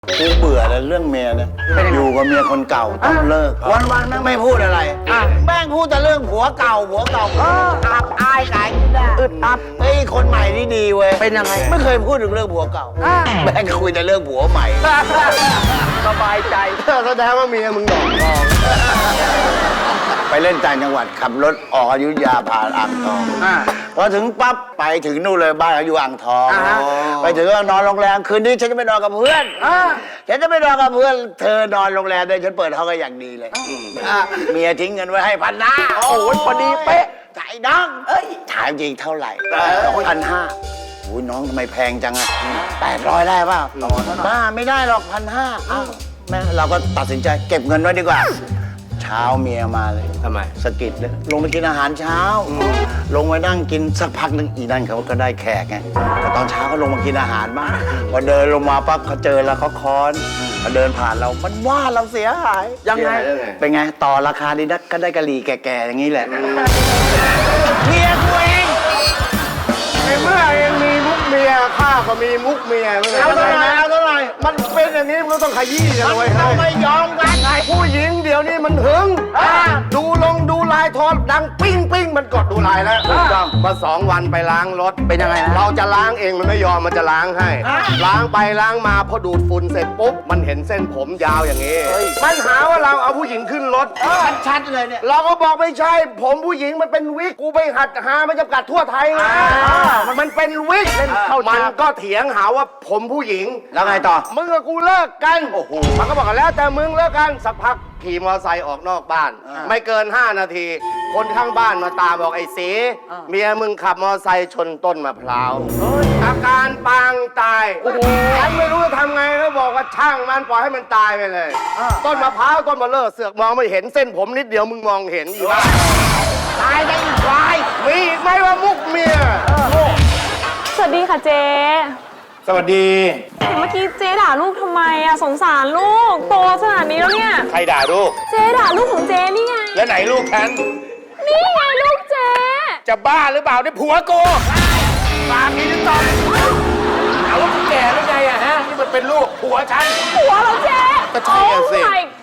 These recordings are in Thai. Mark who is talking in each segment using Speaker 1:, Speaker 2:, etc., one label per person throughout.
Speaker 1: กูเบื่อเลยเรื่องเมียเนี่ยอยู่กับเมียคนเก่าต้องเลิกวันๆแม่งไม่พูดอะไรแม่งพูดแต่เรื่องผัวเก่าอับอายขายไม่ได้อึดอับไอ้คนใหม่นี่ดีเว้ยเป็นยังไงไม่เคยพูดถึงเรื่องผัวเก่าแม่งคุยแต่เรื่องผัวใหม่สบายใจแสดงว่าเมียมึงดอกทองไปเล่นต่างจังหวัดขับรถออกอยุธยาผ่านอ่างทองพอถึงปั๊บไปถึงนู่นเลยบ้านเขาอยู่อ่างทองไปถึงก็นอนโรงแรมคืนนี้ฉันจะไปนอนกับเพื่อนฉันจะไปนอนกับเพื่อนเธอนอนโรงแรมเลยฉันเปิดห้องก็อย่างดีเลยเมียทิ้งเงินไว้ให้1,500โอ้โหพอดีเป๊ะจ่ายน้องถามจริงเท่าไหร่1,500โอ้ยน้องทำไมแพงจังอะ800ได้ป่ะบ้าไม่ได้หรอก1,500แม่เราก็ตัดสินใจเก็บเงินไว้ดีกว่าเช้าเมียมาเลยทำไมสะกิดเลยลงไปกินอาหารเช้าลงไปนั่งกินสักพักนึงอีนั่นเขาก็ได้แขกไงแต่ตอนเช้าก็ลงมากินอาหารบ้างพอเดินลงมาปั๊บเขาเจอแล้วเขาค้อนพอเดินผ่านเรามันว่าเราเสียหายยังไงเป็นไงต่อราคาดีนักก็ได้กะหรี่แก่ๆอย่างนี้แหละเมียกูเองเมื่อเองมีมุกเมียข้าก็มีมุกเมียเอาเท่าไหร่มันเป็นอย่างนี้มันต้องขยี้กันเลยเราไม่ยอมกันไงผู้หญิงเดี๋ยวนี้มันหึงดูลายโทรดังปิ้งมันกดดูลายแล้วมา2 วันไปล้างรถเป็นยังไงเราจะล้างเองมันไม่ยอมมันจะล้างให้ล้างไปล้างมาพอดูดฝุ่นเสร็จปุ๊บมันเห็นเส้นผมยาวอย่างนี้มันหาว่าเราเอาผู้หญิงขึ้นรถชัดเลยเนี่ยเราก็บอกไม่ใช่ผมผู้หญิงมันเป็นวิกกูไปหัดหามันจำกัดทั่วไทยไงมันเป็นวิกมันก็เถียงหาว่าผมผู้หญิงแล้วไงต่อมึงกับกูเลิกกันโอ้โหมันก็บอกกันแล้วแต่มึงเลิกกันสักพักขี่มอเตอร์ไซค์ออกนอกบ้านไม่เกิน5 นาทีคนข้างบ้านมาตามบอกไอ้สีเมียมึงขับมอเตอร์ไซค์ชนต้นมะพร้าวอาการปางตายฉันไม่รู้จะทำไงก็บอกว่าช่างมันปล่อยให้มันตายไปเลยต้นมะพร้าวต้นมะเลิศเสือกมองไม่เห็นเส้นผมนิดเดียวมึงมองเห็นอยู่ว่าตายได้อีกควายมีอีกไหมว่ามุกเมีย
Speaker 2: สวัสดีค่ะเจ๊
Speaker 1: สวัสดี
Speaker 2: เมื่อกี้เจ๊ด่าลูกทำไมอะสงสารลูกโตขนาดนี้แล้วเนี่ย
Speaker 1: ใครด่าลูก
Speaker 2: เจ๊ด่าลูกของเจ๊นี่ไง
Speaker 1: แล้วไหนลูกฉัน
Speaker 2: นี่ไงลูกเจ๊
Speaker 1: จะบ้าหรือเปล่านี่ผัวกูปากนี้ต้องเอาว่าแก่แล้วไงอะฮะนี่มันเป็นลูกผัวฉัน
Speaker 2: ผัวเราเจ๊
Speaker 1: ก็ใช่สิ
Speaker 2: Oh my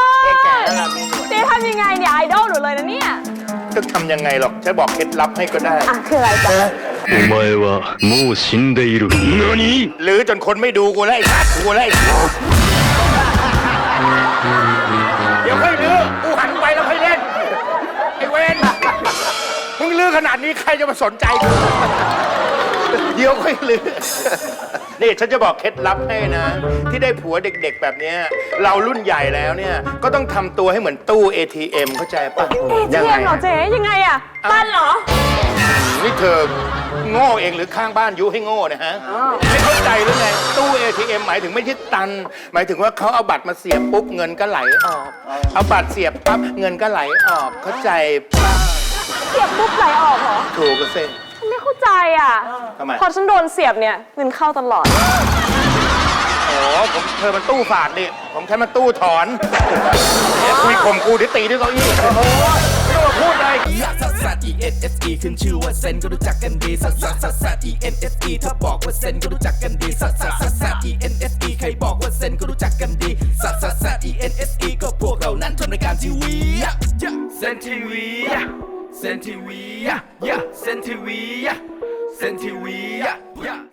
Speaker 2: god เจ๊ทำยังไงเนี่ยไอดอลหนูเลยนะเนี่ย
Speaker 1: จะทำยังไงหรอกฉันบอกเคล็ดลับให้ก็ได้
Speaker 2: คืออะไรจ๊ะ
Speaker 3: お前はもう死んでいる何
Speaker 1: หรือจนคนไม่ดูกูแล้วไอ้สัตว์กูแล้วไอ้เดี๋ยวค่อยลื้อกูหันไปแล้วค่อยเล่นไอ้เวนมึงลื้อขนาดนี้ใครจะมาสนใจกูเดี๋ยวค่อยลื้อนี่ฉันจะบอกเคล็ดลับให้นะที่ได้ผัวเด็กๆแบบนี้เรารุ่นใหญ่แล้วเนี่ยก็ต้องทำตัวให้เหมือนตู้ ATM เข้าใจป่ะ
Speaker 2: ยังไงเหรอเจ๊ยังไงอะปั้นเหรอ
Speaker 1: นี่เธอโง่เองหรือข้างบ้านยุให้โง่นะฮะไม่เข้าใจหรือไงตู้ ATM หมายถึงไม่ใช่ตันหมายถึงว่าเขาเอาบัตรมาเสียบปุ๊บเงินก็ไหลออกเอาบัตรเสียบปั๊บเงินก็ไหลออกเข้าใจป่ะ
Speaker 2: เสียบปุ๊บไหลออกเหรอ
Speaker 1: ถูกก็เส้น
Speaker 2: ไม่เข้าใจอ่ะ
Speaker 1: ทำไม
Speaker 2: พอฉันโดนเสียบเนี่ยเงินเข้าตลอด
Speaker 1: เธอมันตู้ฝาดดิผมแค่มันตู้ถอนคุยข่มกูที่ตีด้วยเก้าอี้ไม่ต้องมาพูดเลย
Speaker 4: ซัสซัส ENSE ขึ้นชื่อว่าเซนก็รู้จักกันดีซัสซัสซัสซัส ENSE ถ้าบอกว่าเซนก็รู้จักกันดีซัสซัสซัสซัส ENSE ใครบอกว่าเซนก็รู้จักกันดีซัสซัสซัส ENSE ก็พวกเรานั้นทำรายการทีวีเซนทีวีเซนทีวีเซนทีวีเซนทีวี